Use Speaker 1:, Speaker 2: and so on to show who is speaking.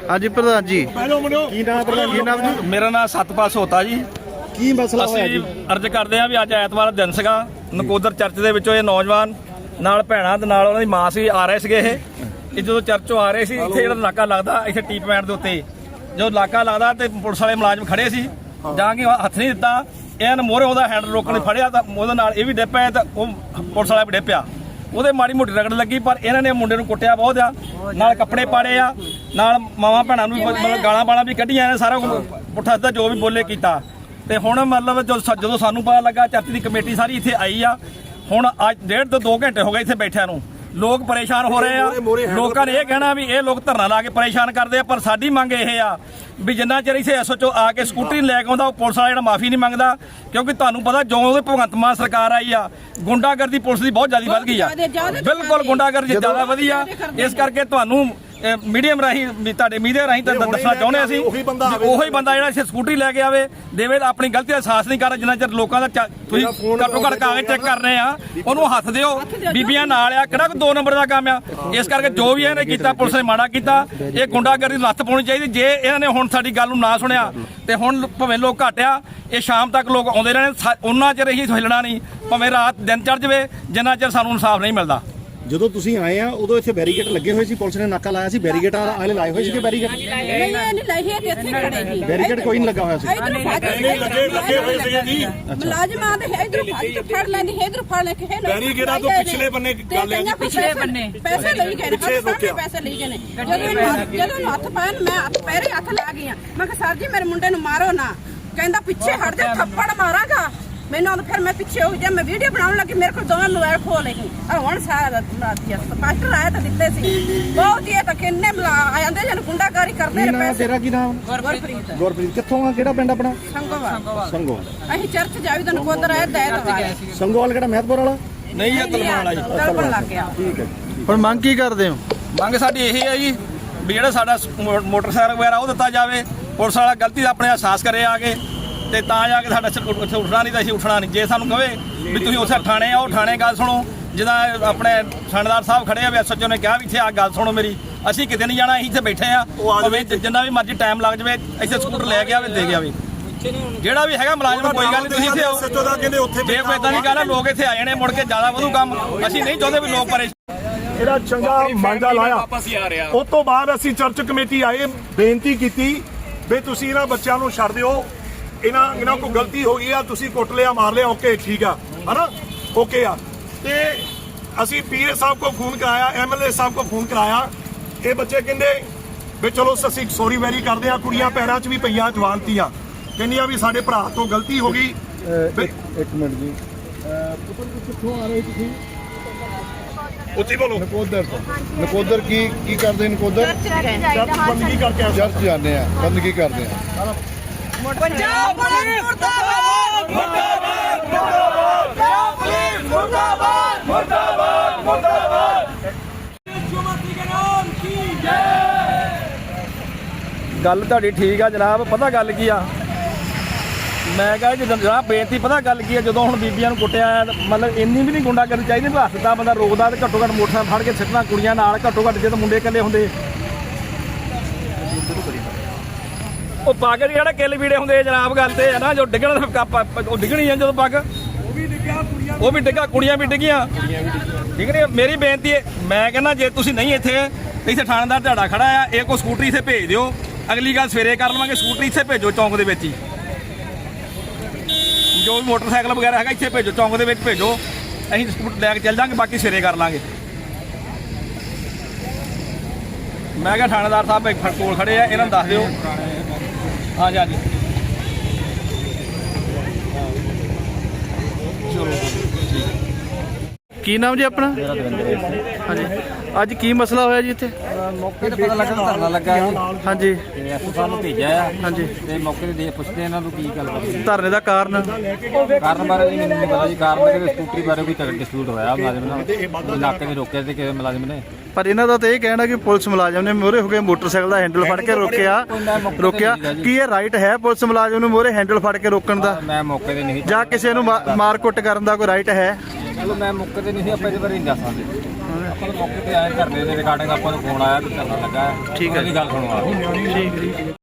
Speaker 1: हाँ जी प्रधान जी की नाम जी?
Speaker 2: मेरा नाम सतपाल सोता जी।
Speaker 1: की मसला होया जी?
Speaker 2: अर्ज करते हैं भी अज ऐतवार दिन सीगा नकोदर चर्च ਦੇ ਵਿੱਚੋਂ ਇਹ ਨੌਜਵਾਨ ਨਾਲ ਭੈਣਾਂ ਤੇ ਨਾਲ ਉਹਨਾਂ ਦੀ ਮਾਂ ਸੀ ਆ ਰਹੇ ਸੀਗੇ ਇਹ ਜਦੋਂ ਚਰਚੋਂ ਆ ਰਹੇ ਸੀ ਇੱਥੇ ਜਿਹੜਾ ਨਾਕਾ ਲੱਗਦਾ ਇੱਥੇ ਟੀ ਪੁਆਇੰਟ ਦੇ ਉੱਤੇ ਜੋ ਨਾਕਾ ਲੱਗਦਾ ਤੇ ਪੁਲਿਸ ਵਾਲੇ ਮੁਲਾਜ਼ਮ ਖੜੇ ਸੀ ਜਾਂ ਕਿ ਹੱਥ ਨਹੀਂ ਦਿੱਤਾ ਇਹਨਾਂ ਨੇ ਮੋਹਰੇ ਉਹਦਾ ਹੈਂਡਲ ਰੋਕਣ ਲਈ ਫੜਿਆ ਤਾਂ ਉਹਦੇ ਨਾਲ ਇਹ ਵੀ ਡਿੱਪਿਆ ਤੇ ਉਹ ਪੁਲਿਸ ਵਾਲਾ ਵੀ ਡਿੱਪਿਆ ਉਹਦੇ ਮਾੜੀ ਮੋਟੀ ਰਗੜ ਲੱਗੀ ਪਰ ਇਹਨਾਂ ਨੇ ਮੁੰਡੇ ਨੂੰ ਕੁੱਟਿਆ ਬਹੁਤ ਆ ਨਾਲ ਕੱਪੜੇ ਪਾੜੇ ਆ ਨਾਲ ਮਾਵਾਂ ਭੈਣਾਂ ਨੂੰ ਮਤਲਬ ਗਾਲਾਂ ਬਾਲਾਂ ਵੀ ਕੱਢੀਆਂ ਨੇ ਸਾਰਾ ਪੁੱਠਾ ਸਿੱਧਾ ਜੋ ਵੀ ਬੋਲੇ ਕੀਤਾ ਤੇ ਹੁਣ ਮਤਲਬ ਜਦੋਂ ਸਾਨੂੰ ਪਤਾ ਲੱਗਾ ਚਰਚ ਦੀ ਕਮੇਟੀ ਸਾਰੀ ਇੱਥੇ ਆਈ ਆ ਹੁਣ ਅੱਜ 1.5 ਤੋਂ 2 ਘੰਟੇ ਹੋ ਗਏ ਇੱਥੇ ਬੈਠਿਆਂ ਨੂੰ ਲੋਕ ਪਰੇਸ਼ਾਨ ਹੋ ਰਹੇ ਆ ਲੋਕਾਂ ਨੇ ਇਹ ਕਹਿਣਾ ਵੀ ਇਹ ਲੋਕ ਧਰਨਾ ਲਾ ਕੇ ਪਰੇਸ਼ਾਨ ਕਰਦੇ ਆ ਪਰ ਸਾਡੀ ਮੰਗ ਇਹ ਆ ਵੀ ਜਿੰਨਾ ਚਿਰ ਇੱਥੇ ਐਸਓਚਓ ਆ ਕੇ ਸਕੂਟਰੀ ਲੈ ਕੇ ਆਉਂਦਾ ਉਹ ਪੁਲਿਸ ਵਾਲਾ ਜਿਹੜਾ ਮਾਫੀ ਨਹੀਂ ਮੰਗਦਾ ਕਿਉਂਕਿ ਤੁਹਾਨੂੰ ਪਤਾ ਜੋ ਉਹਦੇ ਭਗਵੰਤ ਮਾਨ ਸਰਕਾਰ ਆਈ ਆ ਗੁੰਡਾਗਰਦੀ ਪੁਲਿਸ ਦੀ ਬਹੁਤ ਜ਼ਿਆਦਾ ਵੱਧ ਗਈ ਆ ਬਿਲਕੁਲ ਗੁੰਡਾਗਰਦੀ ਜ਼ਿਆਦਾ ਵਧੀ ਆ ਇਸ ਕਰਕੇ ਤੁਹਾਨੂੰ ਮੀਡੀਅਮ ਰਾਹੀਂ ਤੁਹਾਡੇ ਮੀਡੀਆ ਰਾਹੀਂ ਤਾਂ ਦੱਸਣਾ ਚਾਹੁੰਦੇ ਅਸੀਂ ਉਹੀ ਬੰਦਾ ਜਿਹੜਾ ਇੱਥੇ ਸਕੂਟਰੀ ਲੈ ਕੇ ਆਵੇ ਦੇਵੇ ਆਪਣੀ ਗਲਤੀ ਦਾ ਅਹਿਸਾਸ ਨਹੀਂ ਕਰ ਜਿੰਨਾ ਚਿਰ ਲੋਕਾਂ ਦਾ ਤੁਸੀਂ ਘੱਟੋ ਘੱਟ ਕਾਗਜ਼ ਚੈੱਕ ਕਰ ਰਹੇ ਆ ਉਹਨੂੰ ਹੱਥ ਦਿਓ ਬੀਬੀਆਂ ਨਾਲ ਆ ਕਿਹੜਾ 2 ਨੰਬਰ ਦਾ ਕੰਮ ਆ ਇਸ ਕਰਕੇ ਜੋ ਵੀ ਇਹਨੇ ਕੀਤਾ ਪੁਲਿਸ ਨੇ ਮਾੜਾ ਕੀਤਾ ਇਹ ਗੁੰਡਾਗਰਦੀ ਨੂੰ ਲੱਤ ਪਾਉਣੀ ਚਾਹੀਦੀ ਜੇ ਇਹਨਾਂ ਨੇ ਹੁਣ ਸਾਡੀ ਗੱਲ ਨੂੰ ਨਾ ਸੁਣਿਆ ਤੇ ਹੁਣ ਭਾਵੇਂ ਲੋਕ ਘਟਿਆ ਇਹ ਸ਼ਾਮ ਤੱਕ ਲੋਕ ਆਉਂਦੇ ਰਹਿਣੇ ਉਹਨਾਂ ਚਿਰ ਅਸੀਂ ਹਿੱਲਣਾ ਨਹੀਂ ਭਾਵੇਂ ਰਾਤ ਦਿਨ ਚੜ ਜਾਵੇ ਜਿੰਨਾ ਚਿਰ ਸਾਨੂੰ ਇਨਸਾਫ ਨਹੀਂ ਮਿਲਦਾ
Speaker 1: ਜਦੋਂ ਤੁਸੀਂ ਆਏ ਆ ਉਦੋਂ ਇੱਥੇ ਬੈਰੀਕੇਡ ਲੱਗੇ ਹੋਏ ਸੀ ਪੁਲਿਸ ਨੇ ਨਾਕਾ ਲਾਇਆ ਸੀ ਬੈਰੀਕੇਡ ਵਾਲੇ ਲਾਏ ਹੋਏ ਸੀਗੇ ਬੈਰੀਕੇਡ
Speaker 3: ਨਹੀਂ ਲਾਈ ਹੈ ਇੱਥੇ ਖੜੇ ਸੀ
Speaker 1: ਬੈਰੀਕੇਡ ਕੋਈ ਨਹੀਂ ਲੱਗਾ ਹੋਇਆ ਸੀ
Speaker 4: ਲੱਗੇ ਹੋਏ ਸੀਗੇ ਜੀ
Speaker 3: ਮੁਲਾਜ਼ਮ ਆਦੇ ਇਧਰ ਫੜ ਲੈਂਦੀ ਇਧਰ ਫੜ ਲੈ ਕੇ
Speaker 4: ਬੈਰੀਕੇਡਾਂ ਤੋਂ ਪਿਛਲੇ ਬੰਨੇ ਗੱਲ ਹੈ
Speaker 3: ਪਿਛਲੇ ਬੰਨੇ ਪੈਸੇ ਲਈ ਗਏ ਨੇ ਪੈਸੇ ਲਈ ਗਏ ਨੇ ਜਦੋਂ ਹੱਥ ਪਾਣ ਮੈਂ ਪੈਰੇ ਹੱਥ ਲਾ ਗਈ ਮੈਂ ਕਿਹਾ ਸਰ ਜੀ ਮੇਰੇ ਮੁੰਡੇ ਨੂੰ ਮਾਰੋ ਨਾ ਕਹਿੰਦਾ ਪਿੱਛੇ ਹਟ ਜਾ ਥੱਪੜ ਮਾਰਾਂਗਾ ਮੈਨੂੰ ਫਿਰ ਮੈਂ ਪਿੱਛੇ ਹੋ ਗਿਆ ਮੈਂ ਵੀਡੀਓ ਬਣਾਉਣ ਲੱਗੀ ਮੇਰੇ ਕੋਲ ਦੋਵੇਂ ਮੋਬਾਈਲ ਖੋਲ ਲਈ ਹੁਣ ਸਾਰਾ ਪਾਸਟਰ ਆਇਆ ਤਾਂ ਦਿੱਤੇ ਸੀ ਬਹੁਤ ਹੀ ਤਾਂ ਕਿੰਨੇ ਆ ਜਾਂਦੇ ਜਨ ਗੁੰਡਾਗਰੀ ਕਰਦੇ ਨੇ ਪੈਸੇ
Speaker 1: ਤੇਰਾ ਕੀ ਨਾਮ ਗੁਰਪ੍ਰੀਤ ਕਿੱਥੋਂ ਆ ਕਿਹੜਾ ਪਿੰਡ ਆਪਣਾ ਸੰਗੋਵਾਲ
Speaker 3: ਅਸੀਂ ਚਰਚ ਜਾਵੀ ਤਾਂ ਨਕੋਦਰ ਆਏ ਦਾਇਰ
Speaker 1: ਸੰਗੋਵਾਲ ਕਿਹੜਾ ਮਹਿਤਪੁਰ ਵਾਲਾ
Speaker 2: ਨਹੀਂ ਇਹ ਤਲਵਾਨ ਵਾਲਾ ਜੀ
Speaker 3: ਤਲਵਾਨ ਲੱਗ ਗਿਆ
Speaker 1: ਠੀਕ ਹੈ ਹੁਣ ਮੰਗ ਕੀ ਕਰਦੇ ਹੋ
Speaker 2: ਮੰਗ ਸਾਡੀ ਇਹ ਹੈ ਜੀ ਵੀ ਜਿਹੜਾ ਸਾਡਾ ਮੋਟਰਸਾਈਕਲ ਵਗੈਰਾ ਉਹ ਦਿੱਤਾ ਜਾਵੇ ਪੁਲਿਸ ਵਾਲਾ ਗਲਤੀ ਦਾ ਆਪਣੇ ਅਹਿਸਾਸ ਕਰੇ ਆ ਕੇ ਤੇ ਤਾਂ ਜਾ ਕੇ ਸਾਡਾ ਉੱਥੇ ਉੱਠਣਾ ਨਹੀਂ ਤਾਂ ਅਸੀਂ ਉੱਠਣਾ ਨਹੀਂ ਜੇ ਸਾਨੂੰ ਕਹੇ ਵੀ ਤੁਸੀਂ ਉੱਥੇ ਥਾਣੇ ਆਓ ਥਾਣੇ ਗੱਲ ਸੁਣੋ ਜਿੱਦਾਂ ਆਪਣੇ ਥਾਣੇਦਾਰ ਸਾਹਿਬ ਖੜੇ ਆ ਵੀ ਐਸਐਚਓ ਨੇ ਕਿਹਾ ਵੀ ਇੱਥੇ ਆ ਗੱਲ ਸੁਣੋ ਮੇਰੀ ਅਸੀਂ ਕਿਤੇ ਨਹੀਂ ਜਾਣਾ ਅਸੀਂ ਇੱਥੇ ਬੈਠੇ ਆ ਭਾਵੇਂ ਜਿੰਨਾ ਵੀ ਮਰਜ਼ੀ ਟਾਈਮ ਲੱਗ ਜਾਵੇ ਇੱਥੇ ਸਕੂਟਰ ਲੈ ਕੇ ਆਵੇ ਦੇ ਕੇ ਆਵੇ ਜਿਹੜਾ ਵੀ ਹੈਗਾ ਮੁਲਾਜ਼ਮ ਕੋਈ ਗੱਲ ਨਹੀਂ ਤੁਸੀਂ ਇੱਥੇ ਆਓ ਜੇ ਕੋਈ ਇਦਾਂ ਦੀ ਗੱਲ ਹੈ ਲੋਕ ਇੱਥੇ ਆ ਜਾਣੇ ਮੁੜ ਕੇ ਜ਼ਿਆਦਾ ਵਧੂ ਕੰਮ ਅਸੀਂ ਨਹੀਂ ਚਾਹੁੰਦੇ ਵੀ ਲੋਕ ਪਰੇਸ਼ਾਨ
Speaker 4: ਇਹਦਾ ਚੰਗਾ ਮਾਂਜਾ ਲਾਇਆ ਉਸ ਤੋਂ ਬਾਅਦ ਅਸੀਂ ਚਰਚ ਕਮੇਟੀ ਆਏ ਬੇਨਤੀ ਕੀਤੀ ਵੀ ਤੁਸੀਂ ਇਹਨਾਂ ਬੱਚਿਆਂ ਨੂੰ ਛੱਡ ਦਿਓ ਇਹਨਾਂ ਕੋਲ ਗਲਤੀ ਹੋ ਗਈ ਆ ਤੁਸੀਂ ਕੁੱਟ ਲਿਆ ਮਾਰ ਲਿਆ ਓਕੇ ਠੀਕ ਆ ਹਨਾ ਓਕੇ ਆ ਤੇ ਅਸੀਂ ਪੀਏ ਸਾਹਿਬ ਕੋ ਫੋਨ ਕਰਾਇਆ ਐਮਐਲਏ ਸਾਹਿਬ ਕੋ ਫੋਨ ਕਰਾਇਆ ਇਹ ਬੱਚੇ ਕਹਿੰਦੇ ਵੀ ਚਲੋ ਅਸੀਂ ਸੌਰੀ ਵੈਰੀ ਕਰਦੇ ਆ ਕੁੜੀਆਂ ਪੈਰਾਂ 'ਚ ਵੀ ਪਈਆਂ ਜਵਾਨਤੀਆਂ ਕਹਿੰਦੀਆਂ ਵੀ ਸਾਡੇ ਭਰਾ ਤੋਂ ਗਲਤੀ ਹੋ ਗਈ
Speaker 1: ਇੱਕ ਮਿੰਟ ਜੀ ਪੁੱਤਰ ਕਿੱਥੋਂ ਆ ਰਹੇ ਤੁਸੀਂ
Speaker 4: ਉੱਚੀ ਬੋਲੋ
Speaker 1: ਨਕੋਦਰ ਕੀ ਕਰਦੇ ਨਕੋਦਰ
Speaker 4: ਚਰਚ ਬੰਦਗੀ ਕਰਕੇ ਆ
Speaker 1: ਚਰਚ ਜਾਂਦੇ ਆ ਬੰਦਗੀ ਕਰਦੇ ਆ
Speaker 3: ਪੰਜਾਬ ਪੁਲਿਸ ਮੁਰਦਾਬਾਦ ਮੁਰਦਾਬਾਦ ਮੁਰਦਾਬਾਦ ਪੰਜਾਬ ਪੁਲਿਸ ਮੁਰਦਾਬਾਦ ਮੁਰਦਾਬਾਦ ਮੁਰਦਾਬਾਦ ਜੁਮਤੀ ਕੇ ਨਾਮ ਕੀ ਜੈ
Speaker 2: ਗੱਲ ਤੁਹਾਡੀ ਠੀਕ ਆ ਜਨਾਬ ਪਤਾ ਗੱਲ ਕੀ ਆ ਮੈਂ ਕਹਾਂ ਜਦੋਂ ਜਨਾਬ ਬੇਨਤੀ ਪਤਾ ਗੱਲ ਕੀ ਆ ਜਦੋਂ ਹੁਣ ਬੀਬੀਆਂ ਨੂੰ ਕੁੱਟਿਆ ਮਤਲਬ ਇੰਨੀ ਵੀ ਨਹੀਂ ਗੁੰਡਾ ਕਰਨੀ ਚਾਹੀਦੀ ਵੀ ਹੱਥ ਦਾ ਬੰਦਾ ਰੋਕਦਾ ਤੇ ਘੱਟੋ ਘੱਟ ਮੋਟਰਸਾਈਕਲ ਫੜ ਕੇ ਸਿੱਟਣਾ ਕੁੜੀਆਂ ਨਾਲ ਘੱਟੋ ਘੱਟ ਜਦੋਂ ਮੁੰਡੇ ਇਕੱਲੇ ਹੁੰਦੇ ਉਹ ਪੱਗ ਜਿਹੜਾ ਕਿੱਲ ਵੀੜੇ ਹੁੰਦੇ ਜਨਾਬ ਗੱਲ ਤੇ ਹੈ ਨਾ ਜੋ ਡਿੱਗਣ ਉਹ ਡਿੱਗਣੀ ਆ ਜਦੋਂ ਪੱਗ ਉਹ ਵੀ ਡਿੱਗਾ ਕੁੜੀਆਂ ਵੀ ਡਿੱਗੀਆਂ ਠੀਕ ਨਹੀਂ ਮੇਰੀ ਬੇਨਤੀ ਹੈ ਮੈਂ ਕਹਿੰਦਾ ਜੇ ਤੁਸੀਂ ਨਹੀਂ ਇੱਥੇ ਥਾਣੇਦਾਰ ਤੁਹਾਡਾ ਖੜਾ ਆ ਇਹ ਕੋਈ ਸਕੂਟਰੀ ਇੱਥੇ ਭੇਜ ਦਿਓ ਅਗਲੀ ਗੱਲ ਸਵੇਰੇ ਕਰ ਲਵਾਂਗੇ ਸਕੂਟਰੀ ਇੱਥੇ ਭੇਜੋ ਚੌਂਕ ਦੇ ਵਿੱਚ ਹੀ ਜੋ ਵੀ ਮੋਟਰਸਾਈਕਲ ਵਗੈਰਾ ਹੈਗਾ ਇੱਥੇ ਭੇਜੋ ਚੌਂਕ ਦੇ ਵਿੱਚ ਭੇਜੋ ਅਸੀਂ ਸਕੂਟਰ ਲੈ ਕੇ ਚੱਲ ਜਾਵਾਂਗੇ ਬਾਕੀ ਸਵੇਰੇ ਕਰ ਲਾਂਗੇ ਮੈਂ ਕਿਹਾ ਥਾਣੇਦਾਰ ਸਾਹਿਬ ਕੋਲ ਖੜੇ ਆ ਇਹਨਾਂ ਨੂੰ ਦੱਸ ਦਿਓ ਹਾਂਜੀ ਹਾਂਜੀ
Speaker 1: ਕੀ ਨਾਮ ਜੀ ਆਪਣਾ ਹਾਂਜੀ ਅੱਜ ਕੀ ਮਸਲਾ ਹੋਇਆ ਜੀ ਇੱਥੇ
Speaker 5: ਮੌਕੇ ਤੇ ਪਤਾ ਲੱਗਾ ਧਰਨਾ ਲੱਗਾ ਹੈ
Speaker 1: ਹਾਂਜੀ
Speaker 5: ਤੇ ਐਸਓ ਸਾਹਿਬ ਨੂੰ ਭੇਜਿਆ ਆ
Speaker 1: ਹਾਂਜੀ
Speaker 5: ਤੇ ਮੌਕੇ ਤੇ ਪੁੱਛਦੇ ਇਹਨਾਂ ਨੂੰ ਕੀ ਗੱਲ ਬਣੀ
Speaker 1: ਧਰਨੇ ਦਾ ਕਾਰਨ
Speaker 5: ਬਾਰੇ ਮੈਨੂੰ ਨਹੀਂ ਪਤਾ ਜੀ ਕਾਰਨ ਕਿ ਸਕੂਟਰੀ ਬਾਰੇ ਕੋਈ ਡਿਸਪਿਊਟ ਹੋਇਆ ਮੁਲਾਜ਼ਮ ਨਾਲ ਇਲਾਕੇ ਦੇ ਰੋਕਿਆ ਤੇ ਕਿਸੇ ਮੁਲਾਜ਼ਮ ਨੇ
Speaker 1: ਪਰ ਇਹਨਾਂ ਦਾ ਤਾਂ ਇਹ ਕਹਿਣਾ ਕਿ ਪੁਲਿਸ ਮੁਲਾਜ਼ਮ ਨੇ ਮੋਹਰੇ ਹੋ ਕੇ ਮੋਟਰਸਾਈਕਲ ਦਾ ਹੈਂਡਲ ਫੜ ਕੇ ਰੋਕਿਆ ਕੀ ਇਹ ਰਾਈਟ ਹੈ ਪੁਲਿਸ ਮੁਲਾਜ਼ਮ ਨੂੰ ਮੋਹਰੇ ਹੈਂਡਲ ਫੜ ਕੇ ਰੋਕਣ ਦਾ
Speaker 5: ਮੈਂ ਮੌਕੇ ਤੇ ਨਹੀਂ
Speaker 1: ਜਾਂ ਕਿਸੇ ਨੂੰ ਮਾਰ ਕੁੱਟ ਕਰਨ ਦਾ ਕੋਈ ਰਾਈਟ ਹੈ
Speaker 5: ਚਲੋ ਮੈਂ ਮੌਕੇ ਤੇ ਨਹੀਂ ਸੀ ਆਪਾਂ ਇਹਦੇ ਬਾਰੇ ਨਹੀਂ ਦੱਸ ਸਕਦੇ ਆਪਾਂ ਤਾਂ ਮੌਕੇ ਤੇ ਆਏ ਧਰਨੇ ਦੇ ਰਿਗਾਰਡਿੰਗ ਆਪਾਂ ਨੂੰ ਫੋਨ ਆਇਆ ਵੀ ਧਰਨਾ ਲੱਗਾ ਹੈ।
Speaker 1: ਠੀਕ ਹੈ।
Speaker 5: ਉਹਦੀ ਗੱਲ ਸੁਣਵਾ
Speaker 1: ਠੀਕ ਹੈ ਜੀ।